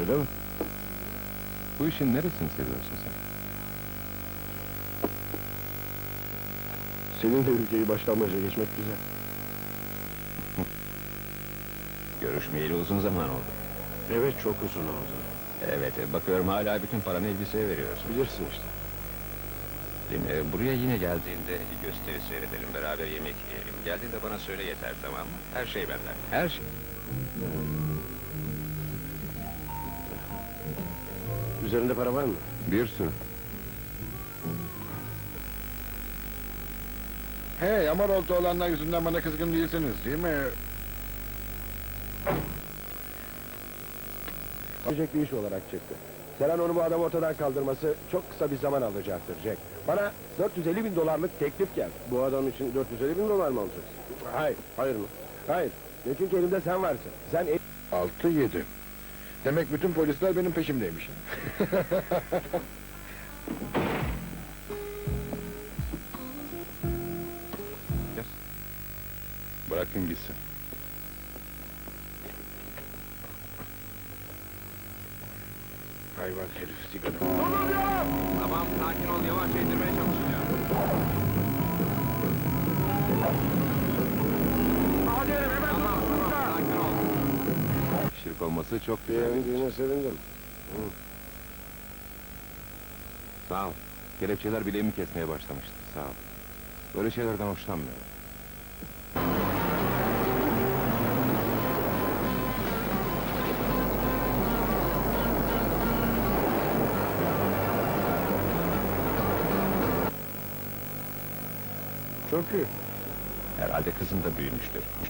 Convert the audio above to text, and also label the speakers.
Speaker 1: öyle mi?
Speaker 2: Bu işin neresini seviyorsun sen?
Speaker 1: Seninle ülkeyi baştan başa geçmek güzel.
Speaker 2: Görüşmeyeli uzun zaman oldu.
Speaker 1: Evet, çok uzun oldu.
Speaker 2: Evet, bakıyorum hala bütün paranı elbiseye veriyorsun.
Speaker 1: Bilirsin işte.
Speaker 2: Buraya yine geldiğinde gösteri seyredelim, beraber yemek yiyelim. Geldiğinde bana söyle yeter, tamam mı? Her şey benden, her şey.
Speaker 1: Üzerinde para var mı?
Speaker 2: Bir sürü.
Speaker 3: Hey, Amarolta olanlar yüzünden bana kızgın değilsiniz, değil mi?
Speaker 1: Jack bir iş olarak çıktı. Selen onu bu adam ortadan kaldırması çok kısa bir zaman alacaktır Jack. Bana 450 bin dolarlık teklif geldi. Bu adam için 450 bin dolar mı alacaksın? Hayır, hayır mı? Hayır. Ne çünkü elimde sen varsın. Sen
Speaker 3: 6-7. Demek bütün polisler benim peşimdeymiş.
Speaker 2: Bırakın gitsin.
Speaker 3: Hayvan herif, sigara.
Speaker 2: Tamam, sakin ol, yavaşça indirmeye çalışacağım.
Speaker 3: Hadi hemen
Speaker 2: Tamam, sakin ol. Şirk olması çok güzel.
Speaker 1: beğendiğine sevindim.
Speaker 2: Sağ ol. Kelepçeler bileğimi kesmeye başlamıştı, sağ ol. Böyle şeylerden hoşlanmıyorum.
Speaker 1: Çok iyi.
Speaker 2: Herhalde kızın da büyümüştür.